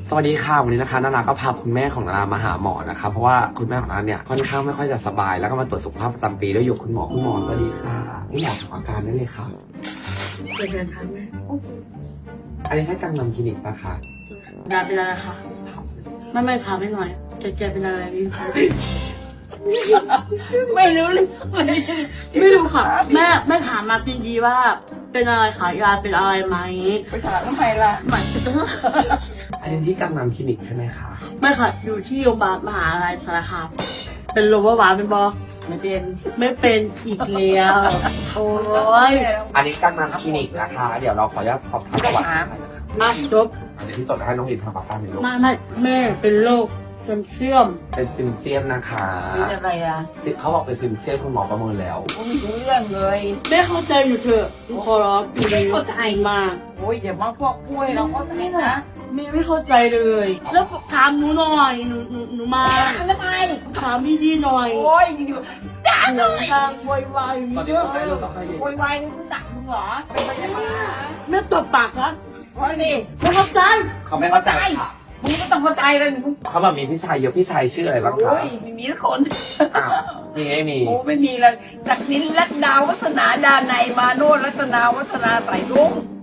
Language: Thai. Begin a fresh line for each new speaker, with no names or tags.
สวัสดีค่ะวันนี้นะคะนาราก็พาคุณแม่ของนารามาหาหมอนะคะเพราะว่าคุณแม่ของนาราเนี่ยค่อนข้างไม่ค่อยจะสบายแล้วก็มาตรวจสุขภาพประจำปีด้วยอยู่คุณหมอสวัสดีค่ะคุณหมอถามอาการได้เลยค่ะ
เป็นไงคะแม่
อันนี้ใช่กังนำคลินิกปะคะ
ยายเป็นอะไรคะไม่ถามไม่หน่อยแกเป็นอะไรพี่
ไม่รู้เลย
ไม่รู้ค่ะแม่ถามมาจริงๆว่าเป็นอะไรคะยายเป็นอะไรไหม
ไปถามทำไมล่ะ
หมายถึง
อันนี้ที่กังนำคลินิกใช่ไหมคะ
ไม่ค่ะอยู่ที่โรงพยาบาลมหาลัยสารคามเป็นโรงพยาบาลเป็นบอ
ไม่เป็น
ไม่เป็นอีกแล้วโอ้ย
อันนี้กังนำคลินิกนะคะ เดี๋ยวเราขออนุญาตสอบถามประวัตินะคะ
อ่ะจบ
อันนี้ที่จดให้น้องลินทำอาการเป็นโรค
ไม่แม่เป็นโรคเสื่อม
เป็นซิมเซียมนะคะ
เป็นอะไรอ่ะ
เขาบอกเป็นซิมเซียมคุณหมอประเมินแล้ว
ผมไม่รู้เรื่องเลย
แม่เข้าใจอยู่เถอะขอร้องปีนี้มาก
โอ้ยอย่ามาพวกพูดให้เราเข้าใจนะ
แม่ไม่เข้าใจเลย แล้วถามหนูหน่อยหนูมา
ทำไม
ถามพี่ยี่หน่อย
โอ้ยอยู่ด่า
ห
ห
นู
น่อย
ทางวายวาย
ตอน
เย
นี้
อะ
ผมได้รู้ต้องให้ดี
โวยวายนี่คุณสั่งมึงเหรอเป็นพยาบาล
แม่ตบปากนะ
เพราะนี่
ไม่เข้าใจ
เขาไม่เข้าใจค่ะ
มึงก็ต้องเข้าใจเลยมึง
เขาแบบมีพี่ชายเยอะพี่ชายชื่ออะไรบ้างคะ
โอ้ยไม่มีสักคน
อ้าวมีไม่มี
โอ้ไม่มีเลยจากนินรัตดาวัฒนาดาในยมาโนรัตนาวัฒนาใส่ลุง